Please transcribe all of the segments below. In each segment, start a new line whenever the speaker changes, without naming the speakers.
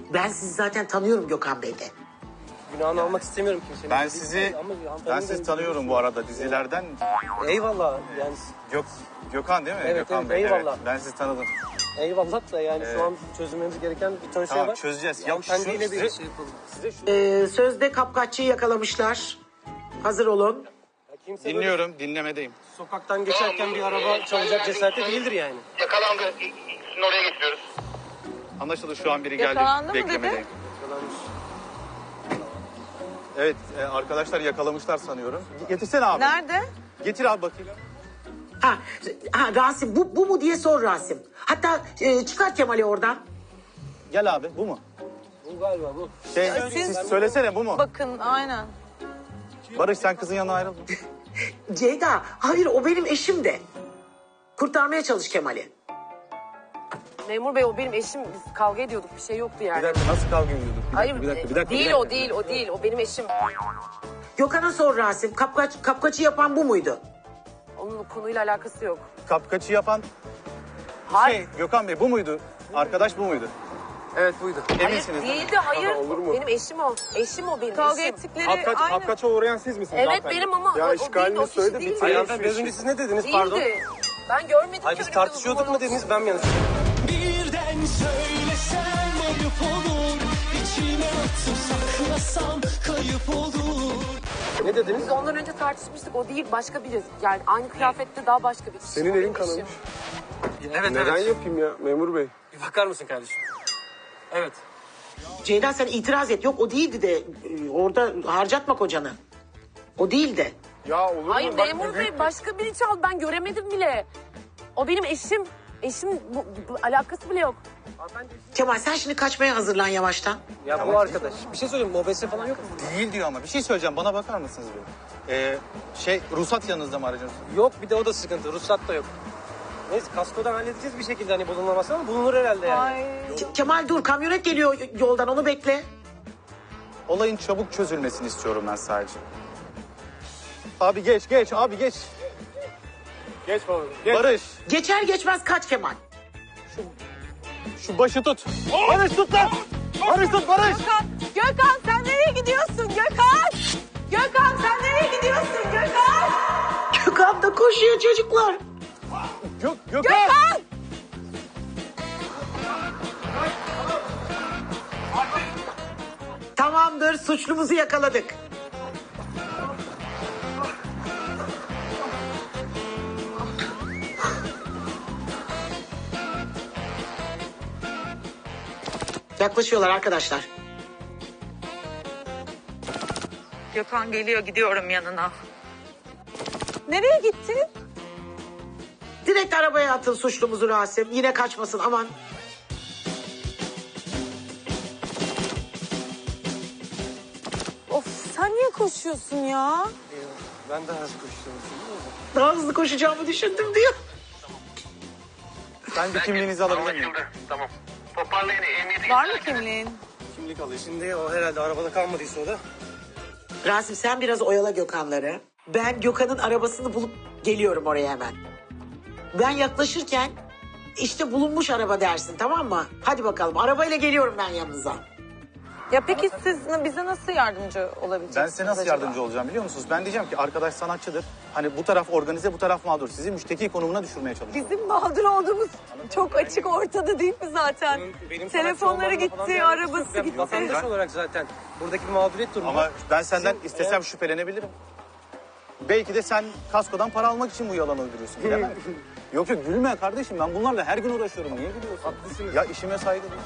Ben sizi zaten tanıyorum Gökhan Bey'de.
Günahını almak istemiyorum kimsenin.
Ben sizi tanıyorum bu arada dizilerden.
Eyvallah yani.
Gökhan değil mi?
Evet,
Gökhan
evet,
Bey.
eyvallah.
Evet, ben sizi tanıdım.
Eyvallah da yani şu an çözülmemiz gereken bir ton şey
Tamam,
var.
çözeceğiz.
Yani
Ya
kendiyle
şu-
bir şey yapalım.
Sözde kapkaççıyı yakalamışlar. Hazır olun.
Kimse böyle
Dinliyorum, dinlemedeyim.
sokaktan geçerken bir araba çalacak cesarette değildir yani.
Yakalandı. Sizin oraya getiriyoruz.
Anlaşıldı, şu an biri geldi.
Yakalandı mı
Beklemedeyim.
Yakalanmış.
Evet, arkadaşlar yakalamışlar sanıyorum. Getirsene abi.
Nerede?
Getir abi bakayım.
Ha Rasim bu mu diye sor Rasim. Hatta çıkart Kemal'i oradan.
Gel abi, bu mu?
Bu galiba bu.
Siz söylesene, bu mu?
Bakın aynen.
Barış, sen kızın yanına ayrılma.
Ceyda hayır o benim eşim de. Kurtarmaya çalış Kemal'i.
Memur bey o benim eşim. Biz kavga ediyorduk. Bir şey yoktu yani.
Bir dakika, nasıl kavga ediyorduk?
Hayır
bir dakika.
değil o değil o değil. O benim eşim.
Gökhan'a sor Rasim. Kapkaçı yapan bu muydu?
Onun konuyla alakası yok.
Kapkaçı yapan
Hayır.
Gökhan Bey bu muydu? Arkadaş bu muydu?
Evet buydu.
Eminsiniz.
Hayır değildi hayır.
Olur mu?
Benim eşim o. Eşim o benim
Kavga
eşim.
ettikleri aynı.
Kapkaça uğrayan siz misiniz?
Evet benim ama o değildi o kişi değildi.
Hayır hanımefendi biraz önce siz ne dediniz pardon?
Değildi. Ben görmedim
Hayır
ki
biz
öyle bir
tartışıyorduk
durum
mu dediniz ben mi yanlış?
Birden söylesem ayıp olur. İçime atıp saklasam kayıp olur.
Ne dediniz?
Biz ondan önce tartışmıştık. O değil başka biri. Yani aynı kıyafette daha başka bir kişi.
Senin
O
elin
benim
kanamış.
eşim.
Evet
Neden
evet.
yapayım ya memur bey?
Bir bakar mısın kardeşim? Evet.
Ceyda sen itiraz et. Yok o değildi de orada harcatma kocanı. O değildi.
Ya olur
Hayır
mu? Bak,
memur
büyük-
bey başka biri çaldı. Ben göremedim bile. O benim eşim. Eşim bu alakası bile yok.
Kemal sen şimdi kaçmaya hazırlan yavaştan.
Ya bu arkadaş. Bir şey söyleyeyim mobese falan yok mu?
Değil diyor ama. Bir şey söyleyeceğim. Bana bakar mısınız bir? Ruhsat yanınızda mı aracınız?
Yok bir de o da sıkıntı. Ruhsat da yok. Neyse kaskodan halledeceğiz bir şekilde hani bulunmaması ama bulunur herhalde yani.
Ay.
Kemal dur kamyonet geliyor yoldan onu bekle.
Olayın çabuk çözülmesini istiyorum ben sadece. Abi geç abi geç.
Geç baba. Geç.
Barış,
Geçer geçmez kaç Kemal.
şu başı tut. Barış tut lan. Barış tut Barış.
Gökhan sen nereye gidiyorsun Gökhan? Gökhan sen nereye gidiyorsun Gökhan?
Gökhan da koşuyor çocuklar.
Gökhan.
Tamamdır suçlumuzu yakaladık. Yaklaşıyorlar arkadaşlar.
Gökhan geliyor gidiyorum yanına. Nereye gittin?
Direkt arabaya atın suçlumuzu Rasim. Yine kaçmasın aman.
Of sen niye koşuyorsun ya?
Ben de hızlı koşuyorum.
Daha hızlı koşacağımı düşündüm diyor.
Ben bir kimliğinizi alabilir miyim?
Anlaşıldı. Tamam. Toparlayın. Emniyete
Var mı kimliğin?
Kimlik alıyor. Şimdi o herhalde arabada kalmadıysa o da.
Rasim sen biraz oyala Gökhan'ları. Ben Gökhan'ın arabasını bulup geliyorum oraya hemen. Ben yaklaşırken işte bulunmuş araba dersin tamam mı? Hadi bakalım arabayla geliyorum ben yanınıza.
Ya peki siz bize nasıl yardımcı olabileceksiniz
Ben size nasıl
acaba?
yardımcı olacağım biliyor musunuz? Ben diyeceğim ki arkadaş sanatçıdır. Hani bu taraf organize, bu taraf mağdur. Sizi müşteki konumuna düşürmeye çalışıyorum.
Bizim mağdur olduğumuz çok açık ortada değil mi zaten?
Benim
Telefonları
sanatçı olmamla falan bir
gitti,
alakası yok.
arabası
Ben
gitti.
vatandaş olarak zaten buradaki bir mağduriyet durumu.
Ama ben senden
Bizim-
istesem şüphelenebilirim. Belki de sen kaskodan para almak için bu yalan uyduruyorsun. Bilemem. Yok gülme kardeşim. Ben bunlarla her gün uğraşıyorum. Niye gülüyorsun?
Haklısınız.
Ya işime saygı duy.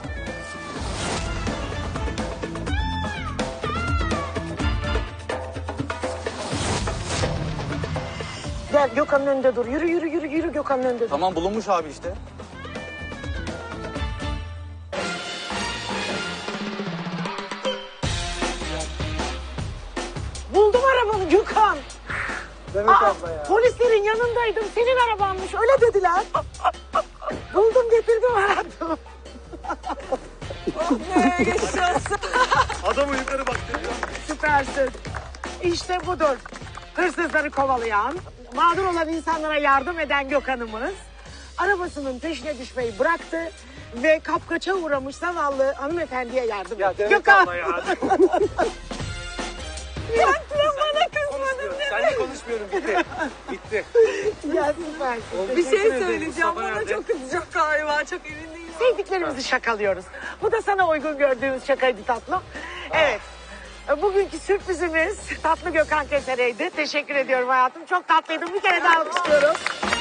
Gel Gökhan'ın önünde dur. Yürü Gökhan'ın önünde dur.
Tamam bulunmuş abi işte.
Buldum arabanı Gökhan.
Demek
Aa,
abla ya.
polislerin yanındaydım. Senin arabanmış öyle dediler. Buldum getirdim hayatım.
Ne yaşasın?
Adamı yukarı baktırıyor.
Süpersin. İşte budur. Hırsızları kovalayan, mağdur olan insanlara yardım eden Gökhan'ımız arabasının peşine düşmeyi bıraktı ve kapkaça uğramış zavallı hanımefendiye yardım
Ya
et.
Demet
Gökhan.
abla ya.
Bana kızmadın.
Seninle konuşmuyorum. Bitti. Bitti.
Ya süpersin.
Bir şey
Teşekkür ederim.
söyleyeceğim.
Mustafa
Bana
nerede?
çok kızacak galiba. Çok emin değilim.
Sevdiklerimizi şakalıyoruz. Bu da sana uygun gördüğümüz şakaydı tatlım. Evet. Bugünkü sürprizimiz Tatlı Gökhan Kesere'ydi. Teşekkür ediyorum hayatım. Çok tatlıydın. Bir kere daha alkışlıyorum.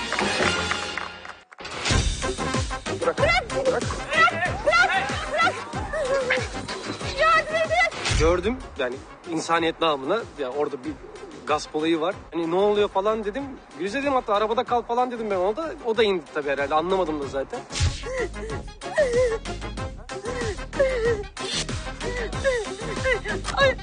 Gördüm yani insaniyet namına ya orada bir gasp olayı var. Hani ne oluyor falan dedim. Gülüz dedim hatta arabada kal falan dedim ben ona da. O da indi tabii herhalde anlamadım da zaten.
Ay.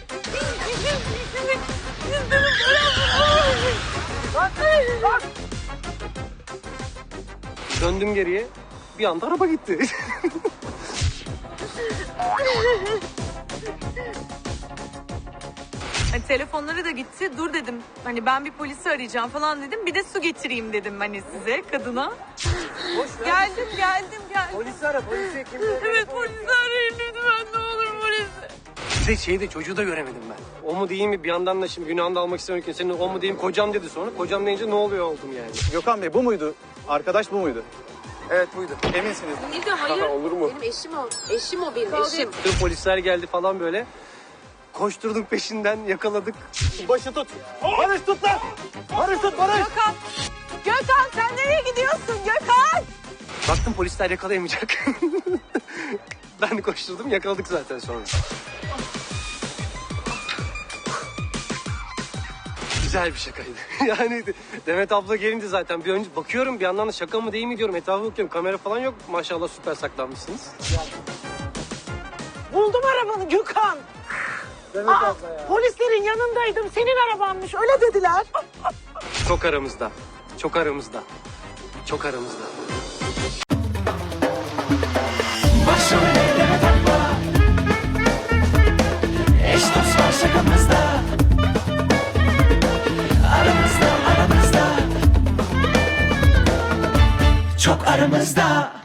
Döndüm geriye bir anda araba gitti.
Hani telefonları da gitti. Dur dedim. Hani ben bir polisi arayacağım falan dedim. Bir de su getireyim dedim hani size kadına.
Boş ver.
Geldim.
Polisi ara polisi kimse.
Evet polisi arayın lütfen ne olur polisi.
Bir de şeyde çocuğu da göremedim ben. O mu değil mi bir yandan da şimdi günahını da almak istemiyorum ki. Senin o mu diyeyim kocam dedi sonra. Kocam deyince ne oluyor oldum yani.
Gökhan Bey bu muydu? Arkadaş bu muydu?
Evet buydu.
Eminsiniz.
Ne diyor hayır.
Olur mu?
Benim eşim o. Eşim o benim eşim.
Tüm polisler geldi falan böyle. Koşturduk peşinden yakaladık.
Başı tut. Barış tut lan. Barış tut Barış.
Gökhan sen nereye gidiyorsun Gökhan?
Baktım polisler yakalayamayacak. Ben de koşturdum yakaladık zaten sonra. Güzel bir şakaydı. Yani Demet abla gelince zaten bir önce bakıyorum bir yandan da şaka mı değil mi diyorum. Etrafa bakıyorum kamera falan yok. Maşallah süper saklanmışsınız.
Buldum arabanı Gökhan.
Demet
Aa, polislerin yanındaydım. Senin arabanmış. Öyle dediler.
Çok aramızda. Çok aramızda. Çok aramızda.
Başrol eyleme takma. Eş dost var şakamızda. Aramızda. Çok aramızda.